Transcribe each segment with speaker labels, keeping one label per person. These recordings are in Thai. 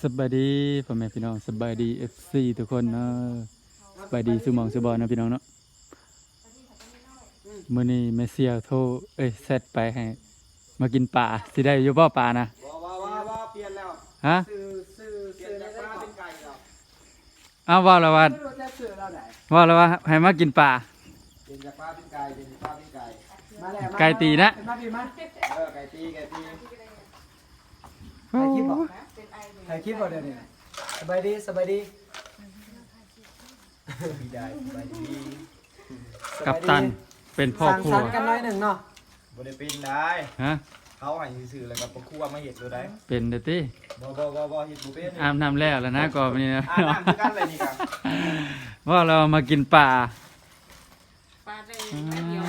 Speaker 1: สบายดีพ่อแม่พี่น้องสบายดีFCทุกคนเนาะสบายดีสุหมองสุบอนนะพี่น้องเนาะมื้อนี้แม่เสียโทรเซตไปให้มากินปลาสิได้อยู่บ่ปลานะ
Speaker 2: ว่าเปลี่ยนแล้ว
Speaker 1: ฮะ
Speaker 2: เปลี่ยนจากปลาเป็นไก่แล้ว
Speaker 1: อ้าวว่าแล้วว่าให้มากินปลา
Speaker 2: เปลี่ยนจากปลาเป็นไก่เป็นปลาเป็นไก่มาแล้ว
Speaker 1: ไก่ตีนะ
Speaker 2: ไก่ตี
Speaker 3: ถ่ายคลิปบอกถ่ายคลิปบอกเดี๋ยวนี้สบายดีสบายดี
Speaker 2: ได้สบายดี
Speaker 1: กัปตันเป็นพ่อครัว
Speaker 3: สั่งสรรค์กันหน่อยหนึ่งเนาะ
Speaker 2: บริปินได้
Speaker 1: ฮะ
Speaker 2: เขาให้ซื้อแล้วก็ครัวมาเห็ดดูได้
Speaker 1: เป็นเด้อติ
Speaker 2: บ่เห็ดบุฟเฟ่ต์
Speaker 1: อาบน้ำแล้วนะก่อนนี้นะ
Speaker 2: น้ำคือกันเลยนี่ครับ
Speaker 1: ว่าเรามากินปลา
Speaker 4: ปลาได้แค่เดียว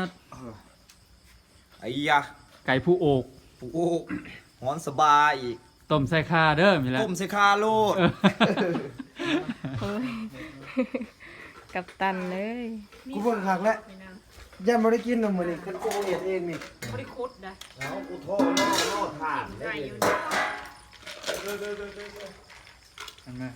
Speaker 2: ไอ้ยะ
Speaker 1: ไก่ผู้โอก
Speaker 2: โอ้หอนสบายอีก
Speaker 1: ต้มใส่ข่าเด้อมีแล้ว
Speaker 2: ต้มใส่คาโลด
Speaker 4: โอ้ยกับตันเลย
Speaker 3: กูเบิ่งคักแล้วยันบ่ได้กินนมมื้อนี้คันกูเฮ็ดเองนี่
Speaker 4: บริคุดนะ
Speaker 2: แล้วกูโทษโลดผ่าน
Speaker 4: ไก่อยู่
Speaker 1: เห็นไหม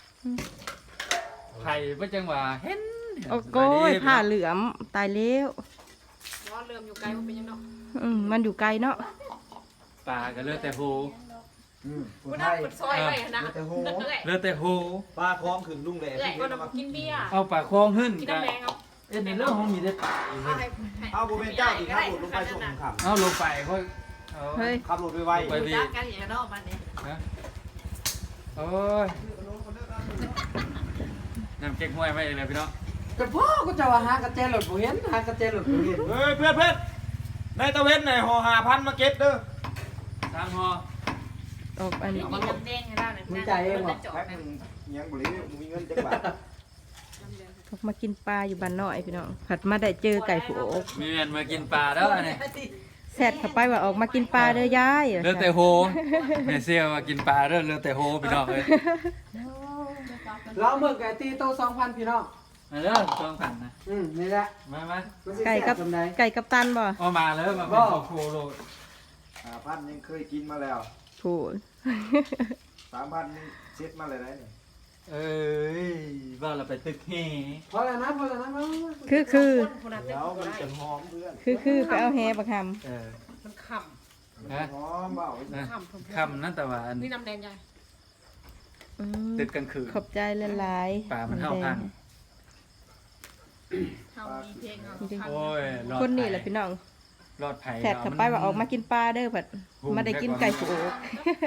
Speaker 1: ไข่บ่จังหวะเห็น
Speaker 5: โอ้โก้ยผ้าเหลือมตายแล้ว
Speaker 4: ร้อนเริ่มอยู่ไกลมันเป็นยังเนาะ
Speaker 5: มันอยู่ไกลเนาะ
Speaker 1: ปลาก็เลือดแต่โห
Speaker 3: กู
Speaker 4: กู
Speaker 3: ไท
Speaker 4: นั่ง
Speaker 3: ย
Speaker 4: กดซอยไปนะ
Speaker 3: แต่โห
Speaker 4: เอื่อย
Speaker 1: เลือดแต่โห
Speaker 2: ปลาคล้องขึงลุงแหล่
Speaker 4: เอื่อยก็นำกินเบียร์
Speaker 1: เอาปลาคลองขึ้น
Speaker 4: กิน
Speaker 1: กั
Speaker 4: น้ำแดงเอา
Speaker 1: ในเรื่องของมีได้ปลา
Speaker 2: เอาบุเป็นเจ้าที่ขับรถลงไปส่งขับ
Speaker 1: เอาลงไปค่อย
Speaker 5: เฮ้ย
Speaker 2: ขับรถไว
Speaker 1: ไปดี
Speaker 4: จ้ากันอย่างนอกมันเนี่ย
Speaker 1: ฮะโอ้ยน้ำเก๊กห้วยไม่เลยพี่น้อง
Speaker 3: ก็พ่อกูจะว่าหากระเจรถบ่เห็นหากระเจรถบ่เห็น
Speaker 2: เฮ้ยเพื่อนในตะเวนไหนห่อ5,000มาเก็บเด้อ
Speaker 1: ตามหอ
Speaker 5: ออกอันนี้
Speaker 4: กินน้ำแดงให้ได้เนี่ยจอด
Speaker 2: แพ็ค
Speaker 4: นะ
Speaker 2: นึงยังบ่รู้มีเงินจักบาท
Speaker 5: ออกมากินปลาอยู่บ้านน้อยพี่น้องผัดมาได้เจอไก่ผู้โอก
Speaker 1: มีเงินมากินปลาแล้วเนี่ย
Speaker 5: แซดเข้าไปว่าออกมากินปลาเด้อยาย
Speaker 1: เลือดแต่โหแม่เซี่ยวมากินปลาเลือดแต่โหพี่น้องเลย
Speaker 3: เราเบิ่งไก่ตีโต2,000พี่น้อง
Speaker 1: มาเด้อต้องขันนะ
Speaker 3: นี่แหละ
Speaker 1: มา
Speaker 3: มันสิ
Speaker 5: ไก่
Speaker 3: แซ่
Speaker 5: กั
Speaker 3: บบ จำได้
Speaker 5: ไก่กับตันบ่
Speaker 1: เอามาเลยมาเป็นพ่อครัวโลด
Speaker 2: 5,000ยังเคยกินมาแล้ว
Speaker 5: ผู้
Speaker 2: 3,000ยังเช็ดมาเลยได้นี่
Speaker 1: เอ้ยว่าเราไปตึกแห่
Speaker 3: พอแล้วนะมา
Speaker 2: เดี๋ยวมันจะหอมเพื่อน
Speaker 5: คือไปเอาแฮบักห
Speaker 1: เออ
Speaker 4: มันข
Speaker 1: ฮะ
Speaker 2: หอมเบา
Speaker 1: นะ
Speaker 4: ำ
Speaker 1: คำนั่นแต่ว่าอัน
Speaker 4: นี่น้ำแดงใหญ่
Speaker 5: ำ
Speaker 1: ตึกกลางคืน
Speaker 5: ขอบใจหลายๆ
Speaker 1: ปลามันเท่าพัน
Speaker 4: เท่ามีเพลงเอา
Speaker 1: โอ้ยรอด
Speaker 5: คนนี้แหละพี่น้อง
Speaker 1: รอดไผ่
Speaker 5: แซดเข้าไปว่าออกมากินปลาเด้อผัดมาได้กินไก่ผู้โอก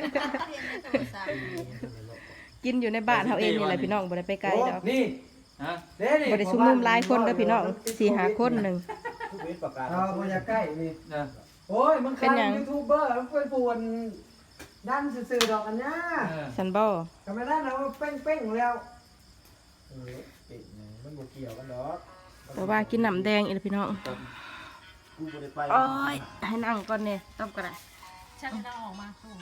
Speaker 5: กินอยู่ในบ้านเฮาเองนี่แหละพี่น้องบ่ได้ไปไกลดอก
Speaker 3: นี่
Speaker 1: ฮะ
Speaker 3: เด้นี่
Speaker 5: บ่ได้ชุมนุมหลายคนเด้อพี่น้อง4-5คนหนึง
Speaker 2: ทุกเวทประกาศ
Speaker 3: เอาบ่อยากใกล้นี่
Speaker 1: เออ
Speaker 3: โอ้ยมัน
Speaker 5: เป็นหยัง
Speaker 3: ยูทูบเบอร์มันเป็นปวนดันซื่อๆดอกอันเนี้ย
Speaker 5: ซันบ่
Speaker 3: ก็ไม่ได้นะว่าเป้งๆแล้ว
Speaker 2: เป็ดเนี่ยมันบ่เกี่ยวกันดอก
Speaker 5: แต่ว่ากินน้ำแดงอีกแล้วพี่น้อง
Speaker 2: กูบ่ได้ไป
Speaker 5: โอ้ยให้นั่งก่อนเนี่ยต้มก็ได้
Speaker 4: ช่างเราออกมาตู้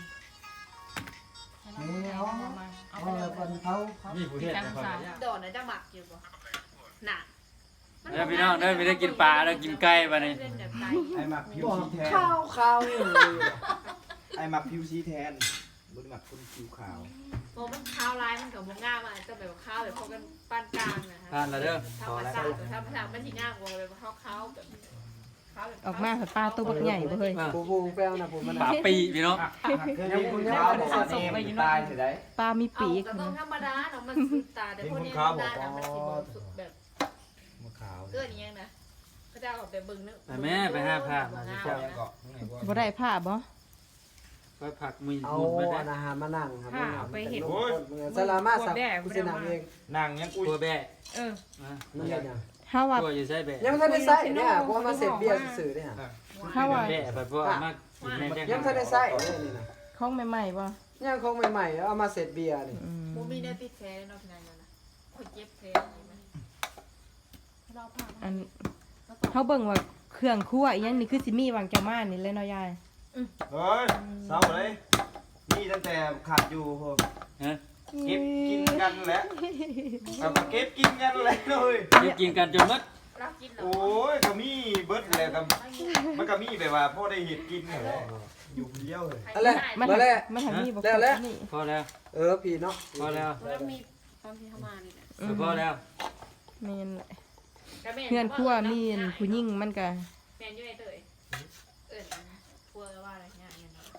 Speaker 3: นี่เอา
Speaker 4: เอา
Speaker 3: เอา
Speaker 4: ไปเล
Speaker 3: แล้ว
Speaker 4: ย
Speaker 3: คนเขา
Speaker 1: มีผู้เฮ็ด
Speaker 4: ช่าง
Speaker 1: นะค
Speaker 4: สา
Speaker 1: รับ
Speaker 4: วโดดนะจะหมักอยู่บ่หนัก
Speaker 1: เด้อพี่น้องเด้อไม่ได้กินปลาเด้อกินไก่บัดนี้
Speaker 4: เล่นแบบไหน
Speaker 2: ไอ้หมักผิว
Speaker 3: บอก
Speaker 2: สีแทน
Speaker 3: ข้าวนี่เลย
Speaker 2: ไอ้หมักผิวสีแทนบ่ได้หมักคนผิวขาว
Speaker 4: โอ้มันข้าวลายมันกับมง่ามจะแบบข้าวแบบพวกกันปานกลางนะ
Speaker 1: ทานละเด้อ
Speaker 4: ธรรมชาติธรรมชาติมันสิง่ามกว่าแบบข้าวแบบข้าวแบบ
Speaker 5: ออกมาปลาตัวบักใหญ่บ่เฮ้ย
Speaker 3: ปูแป้งนะผมมัน
Speaker 1: ปลาปีพี่น้อง
Speaker 2: เคยเห็นคุณขาวบอกว่าเนมตายสิได้
Speaker 5: ปลามี
Speaker 4: เอา
Speaker 5: ปีก
Speaker 4: ก็ต้องธรรมดาเนาะมันสุดตาแต่พวกนี้มันได้นะมันสิบ่สุดแบบ
Speaker 2: มะขาว
Speaker 4: เกินอย่างนี้นะเขาจะเอาแบบเบิ่งนึก
Speaker 1: ไปแม่ไปหาผ้ามาสิ
Speaker 2: เจ้า
Speaker 1: เจ้า
Speaker 2: ยังเกาะข้างในบ่
Speaker 5: บ่ได้ผ้าบ่
Speaker 1: ไปผักมี
Speaker 3: เอา
Speaker 1: หมุนมาได้
Speaker 3: อาหารมานั่งครับ
Speaker 4: ไปเห็น
Speaker 3: สลามาสับกุศลเอง
Speaker 2: นางยังอุ้ย
Speaker 1: ตัวแบะ
Speaker 4: เออ
Speaker 3: นั่นแหละ
Speaker 5: เฮาว่า
Speaker 1: ตัวอยู่ใส่แบะ
Speaker 3: ยังไม่ทันได้ใส่เนี่ยเพราะว่ามาเสร็จเบียร์สื่อเนี่ย
Speaker 5: เฮาว่า
Speaker 1: แบะไปเพราะว่ามากินแม่แจ้ง
Speaker 3: ยังไม่ทันได้ใส่นี่นะ
Speaker 5: ของใหม่ๆบ่
Speaker 3: ยังคงใหม่ๆเอามาเสร็จเบียร์นี่
Speaker 4: มูมีเนื้อติดแท้เนาะพี่นายนะคนเจ็บแท้เราผ่าน
Speaker 5: อันเฮาเบิ่งว่าเครื่องครัวอีหยังนี่คือสิมีวางเจ้ามานี่เลยเนาะยาย
Speaker 2: เฮ้ยเศร้าเลยนี่ตั้งแต่ขาดอยู่โห
Speaker 1: ฮะ
Speaker 2: เก็บกินกันแหละเอามาเก็บกินกันเลยเลย
Speaker 1: กินกันจนหมด
Speaker 4: เรากินเหรอ
Speaker 2: โอ้ยก็มีเบิดเลยกับมันก็มีแบบว่าพ่อได้เห็ดกินเหรออยู่คนเดียวเลย
Speaker 3: อะไร
Speaker 5: มัน
Speaker 3: มาแล้ว
Speaker 5: มันทำนี่บอก
Speaker 3: แล้ว
Speaker 5: นี่
Speaker 1: พอแล้ว
Speaker 3: พี่เนาะ
Speaker 1: พอแล้ว
Speaker 4: แล้วมีตอนที่เข้ามานี่แหละ
Speaker 1: พอแล้ว
Speaker 5: แม่นแหละ
Speaker 4: ก็แม่
Speaker 5: เพื่อนครัวมีอันผู้หญิงมันก็
Speaker 4: แม่นอยู่ในเตยครัวว่าอะไรเนี่ยเนี่ยเนาะ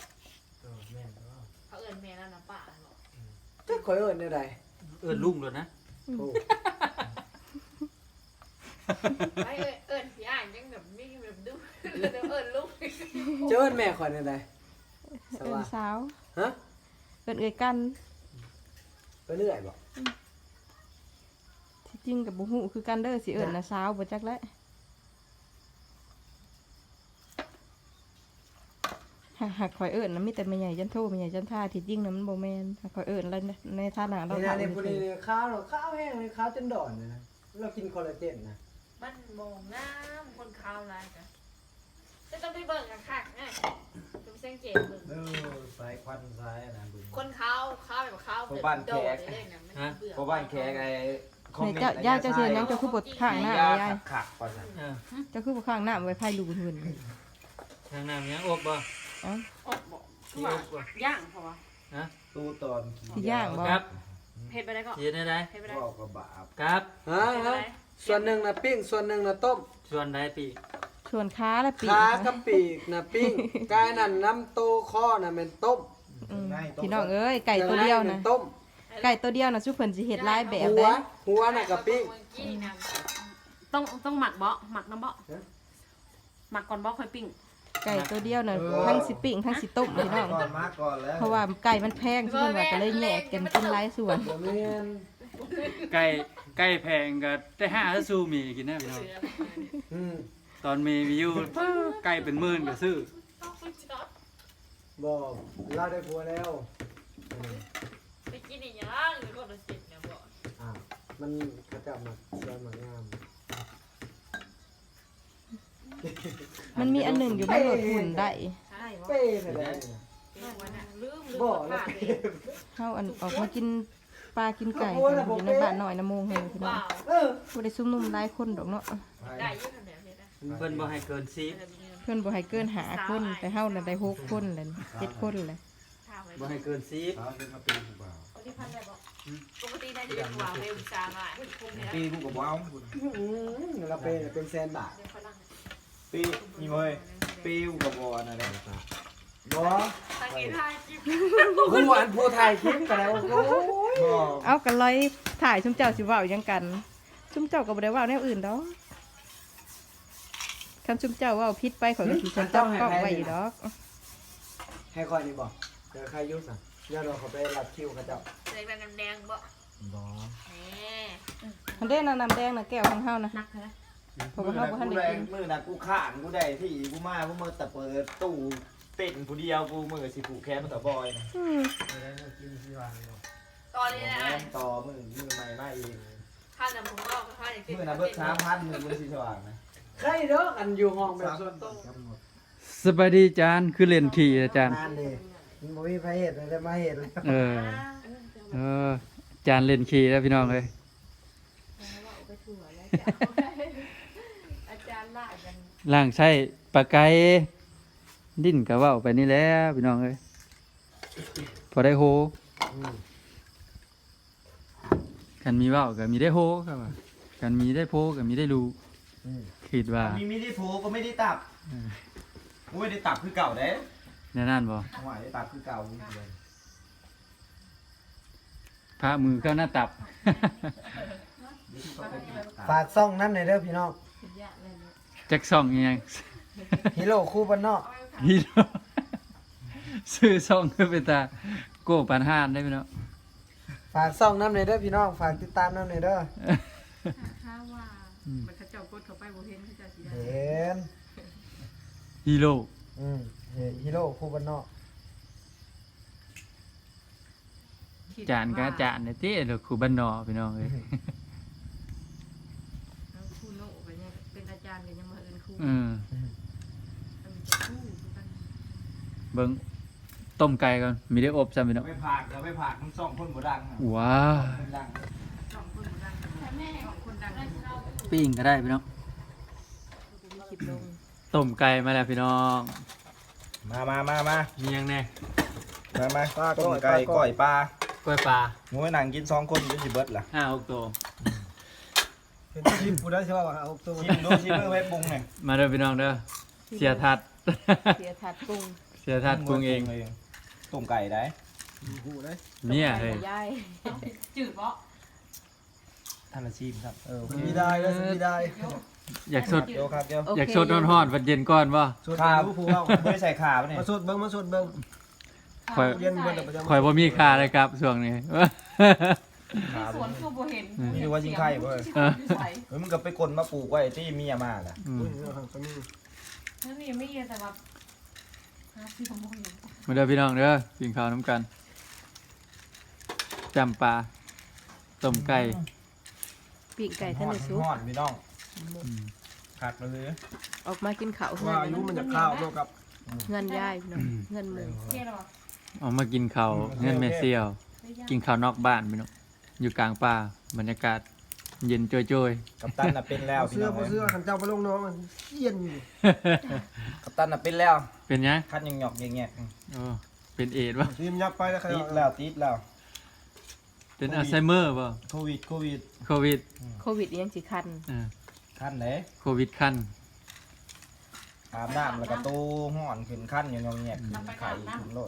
Speaker 4: เขาแม่แล้วนะป้าหรอ
Speaker 3: จะคอยเอิ้นได้ใด
Speaker 1: ลุงเลยนะ
Speaker 3: โอ้
Speaker 4: ไอ้พี่อ่านยังแบบไม่แบบดูลูก
Speaker 3: เจ้าเอิ้นแม่คอยได้ใดส
Speaker 5: เอิ้
Speaker 3: ว่าน
Speaker 5: สาว
Speaker 3: ฮะ
Speaker 5: เอิ้นเอ้ยกัน
Speaker 3: ไปเรื่อยบ่
Speaker 5: ที่จริงกับบ่ฮู้คือกันเด้อสิเอิ้นน่ะสาวบ่จักแล้วหากข่อยเอิ้นน่ะมีแต่แม่ใหญ่จันโทแม่ใหญ่จันท่าที่จริงน่ะมันบ่แม่นหากข่อยเอิ้นแล้วในฐานะเรา
Speaker 3: นี่
Speaker 5: ถา
Speaker 3: นะ
Speaker 5: ม
Speaker 3: นี่ผู้นี้ข้าวแห้งเลยข้าวจนดอนเลยนะเรากินคอลลาเจนนะ
Speaker 4: มันมองน้ำคนขาวลายกันจะต้องไปเบิ่งกันค่ะนะจะไปสังเกตเบิ่ง
Speaker 2: สายควันสายนะบึง
Speaker 4: คนขาวแบบขาวโดดเลยนะมันเบื่อ
Speaker 2: เพราะบ้านแขกไอ้คอมเมนต์
Speaker 5: เจ้าย่าเจ้าเสียยังเจ้าคือบทข้างหน้ายาย
Speaker 2: ขักก่อนนะ
Speaker 5: เจ้าคือบ่ข้างหน้าไว้ไผลูกหื่น
Speaker 1: ทางน้ำยังอกบ่
Speaker 5: เอ้า
Speaker 4: อดบอกย่างเพราะว่า
Speaker 2: ตู้ตอน
Speaker 5: สิย่างบ่
Speaker 1: ครับ
Speaker 4: เผ็ดไปได้ก็
Speaker 1: เย็นได้
Speaker 4: เผ็ดไปได้
Speaker 2: บอกกับบาป
Speaker 1: ครับ
Speaker 3: ฮะส่วนหนึ่งนะปิ้งส่วนหนึ่งนะต้ม
Speaker 1: ส่วนใดปี
Speaker 5: ชวนค้าและปีก
Speaker 3: ขากับปีกนะปิ้งกายนั่นน้ำโตข้อน่ะเป็นต้ม
Speaker 5: อืมพี่น้องเอ้ยไก่ตัวเดียวนะ
Speaker 3: ต้ม
Speaker 5: ไก่ตัวเดียวนะซุเพิ่นสิเฮ็ดหลายแบบ
Speaker 3: หัว
Speaker 5: เด้
Speaker 3: หัวน่ะกับปิ้ง
Speaker 6: ต้องหมักเบาะหมักน้ำเบาะหมักก่อนเบาะค่อยปิ้ง
Speaker 5: ไก่ตัวเดียวน่ะทั้งสิปิ้งทั้งสิต้มพี่น้อง
Speaker 2: ก่อนมาก่อนแล้ว
Speaker 5: เพราะว่าไก่มันแพงซุเพิ่นว่าก็เลยแยกกันกินหลายส่วน
Speaker 3: บ่แม่น
Speaker 1: ไก่แพงก็ได้5ถ้าสู้มีกินได้พี่น้อง
Speaker 3: อืม
Speaker 1: ตอนมีวิวไก่เป็นหมื่นก็ซื้อ
Speaker 3: บ่เราได้ผัวแล้ว
Speaker 4: ไปกินอีกอย่างหรือคนละสิบเนี่ยบอก
Speaker 3: มันกระจับมาสวยมางาม
Speaker 5: มันมีอันหนึงอยู่มันลดหุ่นได้
Speaker 4: ใช่บอก
Speaker 3: เป้ไปได้
Speaker 4: ลืม
Speaker 3: บ่
Speaker 4: ว่า
Speaker 3: แล้ว
Speaker 5: เฮาอันออกมากินปลากินไก่กันอยู่ในบ้านน้อยนะโมงเฮงพี่น้อง
Speaker 3: เออ
Speaker 5: บ่ได้ซุ่มนุ่มหลายคนดอกเนาะ
Speaker 4: ได้ยืดขนาดนี้นะ
Speaker 1: เพิ่นบ่ให้เกิน10
Speaker 5: เพิ่นบ่ให้เกิน5คนแต่เฮาน่ะได้6คนเลย7คนเลย
Speaker 4: ถามไว้
Speaker 1: บ่ให้เกิน10
Speaker 2: เขาจะมาปีกูเปล่า
Speaker 4: ปกติพันได้บอกปกติได้จะเป็นหัวเร็วจางอ่ะคุ้มเลยนะ
Speaker 2: ปีกูกับว้าว
Speaker 3: เราเป็นแสนบาท
Speaker 4: เดี๋ยวฝรั่ง
Speaker 2: ปีนี่เว้ยปีกูกับบอลอะไร
Speaker 3: บ่
Speaker 4: ทางนี้ทายจิ๊บ
Speaker 3: ผู้อันผู้ถ่ายคลิปกันแล้วโอ้ย
Speaker 2: บ่
Speaker 5: เอากันร้อยถ่ายชุมเจ้าสิเว้าหยังกัน ชุมเจ้าก็บ่ได้เว้าแนวอื่นดอกคำชุมเจ้าเว้าผิดไปข่อยก็สิจับกล้องไว้อยู่ดอก
Speaker 3: ให้คอยนี่บอกเดี๋ยวใครยุ่งสั่งย่าเราเขาไปรับคิวเขาเจ้า
Speaker 4: เลยเป็นน้ำแดงบ่
Speaker 3: บ่
Speaker 4: นี่
Speaker 5: อันเด้น้ำแดงน่ะแก้วของเฮานะ
Speaker 6: นักเลย
Speaker 5: เพราะว่าเฮาบ่ทันได้กิน
Speaker 2: มือน่ะกูข้านกูได้ที่กูมากูมือแต่เปิดตู้เต้นผู้เดียวกูมือสิผูกแขนมาต่อบอยนะ
Speaker 5: อืม
Speaker 4: ตอนนี้นะ
Speaker 2: ต่อมือใหม่มาอีก
Speaker 4: ข้าน้ำผมก็ข้าอย่าง
Speaker 2: มือน่ะเบิด3,000มือสิสว่างนะ
Speaker 3: ใครเด้ออันอยู่ห้องแบบส่วนตัว
Speaker 1: สบายดีจานคือเล่นขี่อาจารย์
Speaker 3: นานเลยมันบ่มีไผเฮ็ดเลยได้มาเฮ็ดเลย
Speaker 1: เออจานเล่นขี่แล้วพี่น้องเลย
Speaker 4: อาจารย์ล่ากัน
Speaker 1: ล่างใช้ปลาไก่ดิ้นก็เว้าไปนี่แหล้วพี่น้องเอ้ยพอได้โฮกันมีเว้าก็มีได้โฮครับว่ากันมีได้โพก็มีได้รู้คิดว่า
Speaker 2: มีได้โผก็ไม่ได้ตับกูไม่ได้ตับคือเก่าเด้
Speaker 1: แน่นั่นบ่
Speaker 2: หวายได้ตับคือเก่า
Speaker 1: พระมือเข้าหน้าตับ
Speaker 3: ฝากซ่องนั้นหน่อยเด้อพี่น้อง
Speaker 1: จักซ่องอีหยัง
Speaker 3: ฮีโร่คู่บ้านนอก
Speaker 1: ฮีโร่ซื้อซ่องคือไปตาโก้ปันห้านได้พี่น้อง
Speaker 3: ฝากซ่องนั้นหน่อยเด้อพี่น้องฝากติดตามนั้นหน่อยเด้อ
Speaker 6: ถ้าว่ามันเขาเจ้ากดเข้าไปบ่เห็นเขาเจ้าสิได้
Speaker 3: เห็น
Speaker 1: ฮีโร่
Speaker 3: ฮีโร่คู่บ้านนอก
Speaker 1: จานก็จานเนี่ยเต้เด้อครูบ้านนอกพี่น้องเอ้ย
Speaker 6: แล้วครูโน่ก็ยังเป็นอาจารย์ก็ยังมาเอิ้นครู
Speaker 1: อืม
Speaker 6: มันจะครูคือกัน
Speaker 1: เบิ่งต้มไก่ก่อนมีได้อบซ้ำพี่น้อง
Speaker 2: ไม่ผากเราไม่ผากมึงส่องคนบ่ดัง
Speaker 1: ว้าว
Speaker 2: คนดัง
Speaker 6: สองคนบ่ดังสองคนดัง
Speaker 1: ปิ้งก็ได้พี่น้อง
Speaker 5: มีคลิปลง
Speaker 1: ต้มไก่มาแล้วพี่น้อง
Speaker 2: มา
Speaker 1: มียังแน่
Speaker 2: ต้มไก่ก้อยปลาก
Speaker 1: ล้วยปลา
Speaker 2: งูให้หนังกิน2คนก็สิเบิดล่ะ
Speaker 1: 5-6ตัว
Speaker 3: เป็นชิมกูได้ใช่ป่ะเอาตัว
Speaker 2: ชิมดูชิมมือไว้ปรุงหน่อย
Speaker 1: มาเด้อพี่น้องเด้อเสียทัด
Speaker 5: เสียถาดปรุง
Speaker 1: เสียทัดปรุงเอง
Speaker 2: ต้มไก่ได้
Speaker 3: หูได้
Speaker 1: เนี่ยเฮ้ย
Speaker 5: ยาย
Speaker 6: จืดบ่
Speaker 2: ท่านละชิมครับ
Speaker 3: มีได้แล้วมีได้
Speaker 1: อยากสด
Speaker 2: เดี๋ยวครับเดี๋ยว
Speaker 5: โเค
Speaker 1: อยากสดร้อนๆวันเย็นก่อนบ่
Speaker 3: สด
Speaker 2: ข้าว
Speaker 3: รู้ผู้เอา
Speaker 2: ไม่ได้ใส่ขาปะเนี่ย
Speaker 3: มาสดเบิ้งมาสดเบิ้ง
Speaker 1: ข่อย
Speaker 3: เย็นเบิ้งแต่ประจำ
Speaker 1: ข่อยบ่มีค่าเลยครับช่วงนี้
Speaker 6: สวนคือบ่เห็น
Speaker 2: นี่ว่าชิงไข่เว้ย
Speaker 6: เฮ้ย
Speaker 2: เฮ้ยมึงก็ไปกลมาปลูกไว้ที่เมียมาล่ะ
Speaker 1: อืม
Speaker 3: ตัวนี้
Speaker 6: นั่นยังไม่เย็นแต่ว่าหาซื้อของบ่เห็น
Speaker 1: มาเด้อพี่น้องเด้อกินข้าวน้ำกันจำปลาต้มไก่
Speaker 5: ปีกไก่ท่านในซุป
Speaker 2: ฮอดพี่น้องขาดมาเลย
Speaker 5: ออกมากินข้าวเฮือ
Speaker 3: ว่าอายุมันจะข้าวเท่ากับ
Speaker 5: เงินยายพี่น้องเงินหมือ
Speaker 6: เจ๊หรอ
Speaker 1: เอามากินข้าวเงินแม่เซี่ยว กินข้าวนอกบ้านพี่น้องอยู่กลางป่าบรรยากาศเย็นโจ้ย
Speaker 2: กัปตันน่ะเป็นแล้วพี่
Speaker 3: เสื้อ
Speaker 2: น้อง
Speaker 3: เสื้อขันเจ้าไปลงน้องมันเย็นอยู่
Speaker 2: กัปตันน่ะเป็นแล้ว
Speaker 1: ๆ เป็นยัง
Speaker 2: คันยังหยอกแงก
Speaker 1: โอ้เป็นเอดส์ป่ะ
Speaker 3: ทีมยับไปแล้วใคร
Speaker 2: ติดแล้วติดแล้ว
Speaker 1: เป็นอัลไซเมอร์ป่ะ
Speaker 2: โควิด
Speaker 1: โควิด
Speaker 5: โควิดยังสิคัน
Speaker 1: อ่า
Speaker 2: คันไหน
Speaker 1: โควิดขั้น
Speaker 2: อาบน้ำแล้วก็ตู้ห่อนขึ้นคันอยู่งอแงกไข่ขึ้นโลด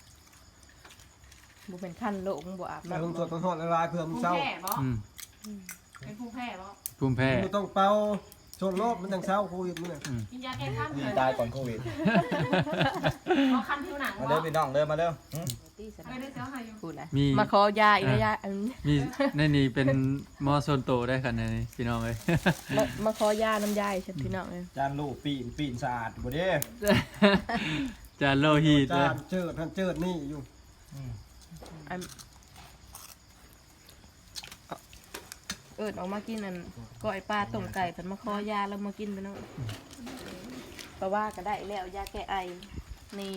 Speaker 5: บ่เป็นคันโลกมึงบ่อาบ
Speaker 3: แต่
Speaker 5: น้ำ
Speaker 3: ลงสดทอดละลายเพื่อมึ
Speaker 6: ผู้
Speaker 3: งเศร้า
Speaker 6: แพ้บ่
Speaker 1: อืม
Speaker 6: เป็นผู้แพ้บ่
Speaker 1: ภูมิแพ้
Speaker 3: มึงต้องเป่าชนรอบมันจังเศร้าโควิดมึงเนี่ย
Speaker 6: กินยาแก้ข้าม
Speaker 2: นี่
Speaker 6: เลย
Speaker 2: ตายก่อนโควิด
Speaker 6: เอาคันผิวหนัง
Speaker 2: มา
Speaker 6: บ่
Speaker 2: เด้อพี่น้องเด้อมาเด้อ
Speaker 6: ไม่ได้เสียหายอยู่
Speaker 5: พูดนะ
Speaker 1: มี
Speaker 5: มาขอยาอีกแล้วยาอัน
Speaker 1: มีในนี้เป็นหมอโซนโตได้ขนาดนี้พี่น้องเลย
Speaker 5: มาขอยาน้ำยายใช่พี่น้องเลย
Speaker 2: จานลูกปีนสะอาดบ่เด้
Speaker 1: จานโลหิตเล
Speaker 3: จาย นเจิดท่านเจิดนี่อยู่
Speaker 5: อันเอิดออกมากินอันก้อยปลาต้มไก่เพิ่นมาขอยาแล้วมากินไปเนาะเพราะว่าก็ได้แล้วยาแก้ไอนี่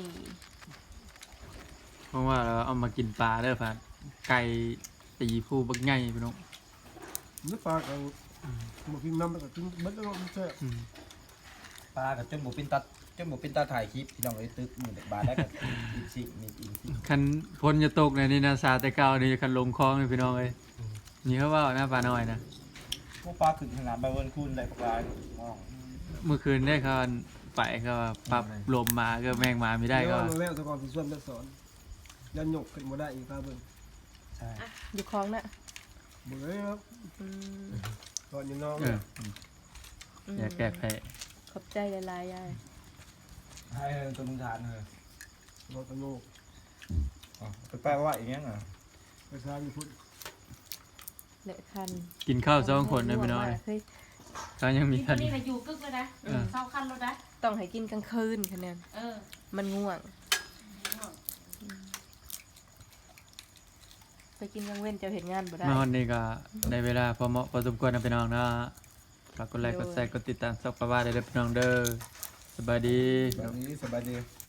Speaker 1: เพราะว่าเราเอามากินปลาเด้อพัดไก่ตีผู้บักใหญ่พี่น้อง
Speaker 3: นึกปลาเอามากินน้ำแล้วก็กินเบิดแล้วมันแซ่บ
Speaker 1: อืม
Speaker 2: ปลากับจนบ่เป็นตาถ่ายคลิปพี่น้องเอ้ยตึกมือเด็กบาทได้กับอีกสิมีอีกสิ
Speaker 1: คันพ้นจะตกในนี่นะซาแต่เก่านี่คันลงคลองเลยพี่น้องเลยนี่เขาว่าหน้าปลาน้อยนะ
Speaker 2: พวกปลาขึ้นขนาดใบเวิร์นคูนได้ปลาอ๋อ
Speaker 1: เมื่อคืนได้เขาไปก็ปรับลมมาก็แมงมาไม่ได้ก็
Speaker 3: เดี๋ยวแล้วแต่ก่อนสิส่วนเลือดสอนยันหยกขึ้นบ่ได้อีกครับเบิ่ง
Speaker 2: ใช่
Speaker 5: อยู่คลองน่ะ
Speaker 3: เบิ่งเลยครับ
Speaker 5: อืม
Speaker 3: ก่อนอยู่น้อง
Speaker 1: เอออย่าแก้แพ้
Speaker 5: ขอบใจหลายๆยาย
Speaker 2: ให้ตัวมึงทานเลย
Speaker 3: รอตะโนก
Speaker 2: อ๋อไปแปลว่าอย่างเงี้ยเหรอ
Speaker 3: ไปซ้ายอยู่พุ่น
Speaker 5: เละคัน
Speaker 1: กินข้าวสองคนนะพี่น้อง
Speaker 5: เฮ้ย
Speaker 1: เขายังมี
Speaker 6: กิน
Speaker 1: คัน
Speaker 6: นี่น่ะอยู่กึกเลยนะเศร้าคันแล้วนะ
Speaker 5: ต้องให้กินกลางคืนคะแนน
Speaker 6: เออ
Speaker 5: มันง่วง ไปกินกลางเว้นเจะเห็นงานบ่ได้
Speaker 1: มาวันนี้ก็ในเวลาพอเหมาะพอสมควรนะพี่น้องนะฝากกดไลค์กดแชร์กดติดตามซับกระว่าได้เลยพี่น้องเด้อสบายดี
Speaker 2: แบบนี้สบายดี